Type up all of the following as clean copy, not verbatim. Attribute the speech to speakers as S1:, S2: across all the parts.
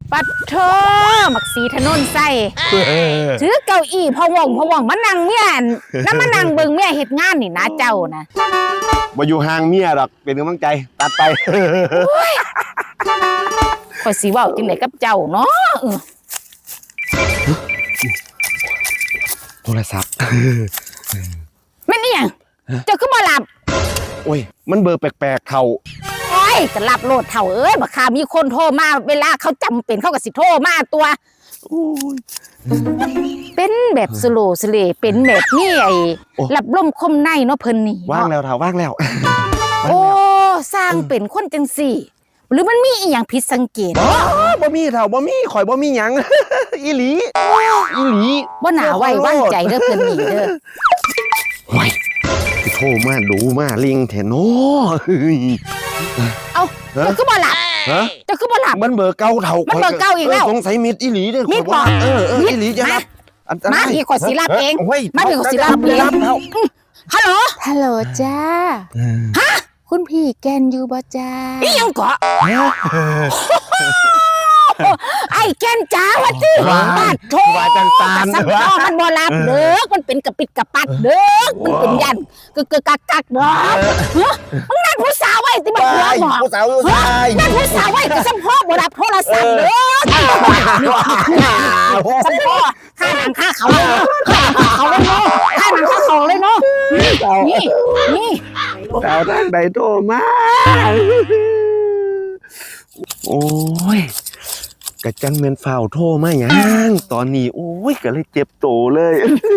S1: ปัดเธอมักสีถนนใส่ถือเก้าอี้พะวงมานั่งเมียนั่นมานั่งเบิ่งเมียเฮ็ดงานนี่นะเจ้านะ
S2: บ่อยู่ห่างเมียดอกเป็นกำลังใจตัดไป
S1: ข่อยสิเว้าจังได๋กับเจ้าเนาะ
S2: โทรศัพท์
S1: แม่นอีหยังเจ้าคือบ่หลับ
S2: โอ้ยมันเบอร์แปลกๆเขา
S1: โอ้ยก็รับโลดเฒ่าเอ้ยบักคามีคนโทรมาเวลาเขาจำเป็นเขาก็สิโทรมาตัวเป็นแบบสโลสเลเป็นแบบนี้ไอ้รับลมคมในเนาะเพิ่นนี่
S2: ว่างแล้วเฒ่าว่างแล้ว
S1: โอ้สร้างเป็นคนจังสี่หรือมันมีอีหยังผิดสังเกต
S2: บ่มีเฒ่าบ่มีข่อยบ่มีหยังอีหลี
S1: บ่น่าไว้วางใจเด้อเพิ่นนี่เด้อ
S2: โอ้ยโทรมาดูมาลิงแท้เนาะ
S1: เอ้าเจ้าคือบ่หลับเจ้าคือบ่หลับ
S2: มันเบอร์เก่าเฒ่า
S1: มันเบอร์เก่าอีกแล้ว
S2: สงสัยมิดอีหลีเด้อ
S1: มิดบ่
S2: อีหลีจะรับ
S1: มาพี่ขอสิรับเองมาพี่ขอสิรับเองฮัลโหลจ้าฮะคุณพี่แกนอยู่บ่จ้าอีหยังเกาะไอ้แกนจ้าวะจิบาดโถ
S2: ว่าจังตา
S1: สัมพ่อมันบ่รับเด้อมันเป็นกระปิดกระปัดเด้อมันเป็นยันกึกกักเด้อมึงนั่นผู้สาวไว้ที่มันหัวบ่
S2: ผู้สาว
S1: นั่นผู้สาวไว้ก็สัมพ่อบ่รับโทรศัพท์เด้อสัมพ่อข้าหนังข้าเขาเลยเนาะข้าหนังข้าเขาเลยเนาะนี่
S2: สาวทางใดโทรมาโอ้ยกะจังเมนฝ่าวโทรมาหยังตอนนี้โอ้ยก็เลยเจ็บโตเลย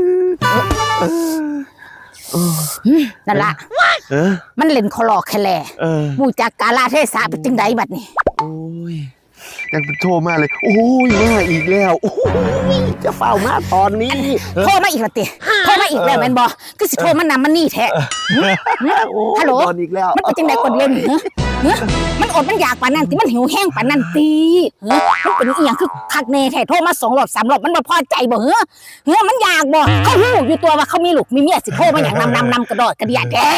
S1: นั่นล่ะมันเล่นคลอแคลมูจากกาลาเทศะเป็นจังไดบัดนี้
S2: โอ้ยยังเป็นโทรมาเลยโอ้ยมาอีกแล้วโอ้ยจะฝ่าวมาตอนนี้
S1: โทรมาอีกแล้วติโทรมาอีกแล้วแม่นบ่คือสิโทรมานำมันนี่แท้ฮัลโหลมันเป็นจังได๋กดเล่นมันอดมันอยากปานนั้นติมันหิวแห้งปานนั้นติมันเป็นอีหยังคือคักแน่แท้โทรมา2 รอบ 3 รอบมันบ่พอใจบ่มันอยากบ่เขาฮู้อยู่ตัวว่าเขามีลูกมีเมียสิโทรมาหยังนำกระดอดกระเดียแท้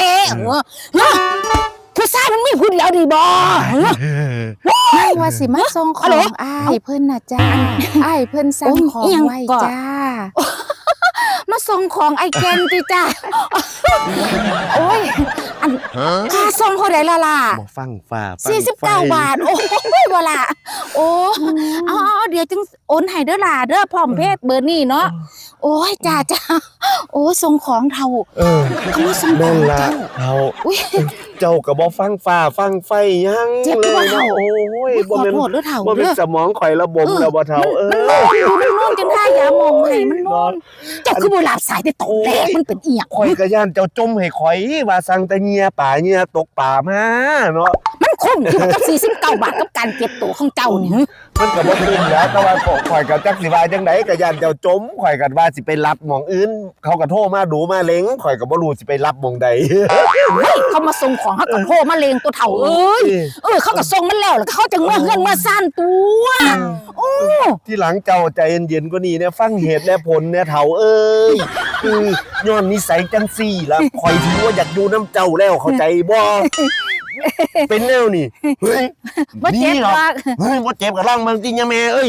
S1: ผู้ชายมันมีพูดแล้วดีบ่
S3: ไม่ว่าสิมาส่งของอ้ายเพิ่นน่ะจ้าอ้ายเพิ่นสั่งของไว้จ้า
S1: มาส่งของไอ้แกนติจ้าโอ้ยค่าส่งเท่าไหร่ล่ะ
S2: บ่ฟังฟ้า
S1: 49 บาทโอ้ยบ่ล่ะโอ้เอาเดี๋ยวจึงโอนให้เด้อล่ะเด้อพร้อมเพย์เบอร์นี้เนาะโอ้ยจ้าโอ้ส่งของเท่าเขามาส่งของเจ้า
S2: เจ้าก็บ่ฟังฟ้าฟังไฟยัง
S1: เจ็บบ่เท่า
S2: โอ้ย
S1: บ่แม่น
S2: บ่เป็นสมองข่อยระบบแล้วบ่เท่า
S1: มันนอนจนท่ายามองให้มันนอนเจ้าคือบ่หลับสายแต่ตกแตกมันเป็นอีหยัง
S2: ข่อยก็ย่านเจ้าจมให้ข่อยว่าสั่งแต่เงียป่าเงียตกป่ามาเนาะ
S1: มันคุ้มอยู่กับ49 บาทกับการเก็บตัวของเจ้านี่
S2: มันก็บ่คุ้มแล้วแต่ว่าข่อยก็จักสิว่าจังได๋ก็ย่านเจ้าจมข่อยก็ว่าสิไปรับหม่องอื่นเขาก็โทรมาดูมาเล็งข่อยก็บ่รู้สิไปรับหม่องใด
S1: เขามาส่งของเขาก็โทรมาเลงตัวเฒ่าเอ้ยเขาก็ส่งมันแล้วเขาจังว่าเฮือนมาซ่านตัว
S2: ที่หลังเจ้าใจเย็นๆกว่านี้เนี่ยฟังเหตุและผลเนี่ยเฒ่าเอ้ยย้อนนิสัยจังซี่ล่ะข่อยถือว่าอยากอยู่น้ำเจ้าแล้วเข้าใจบ่เป็นแนวนี่เฮ้ย
S1: บ่เจ็บหรอก
S2: บ่เจ็บกับร่างเมืองจริงยังแม่เอ้ย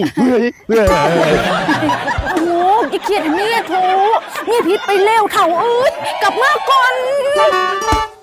S1: โอ้ยเครียดเมียโถเมียผิดไปแล้วเฒ่าเอ้ยกลับมาก่อน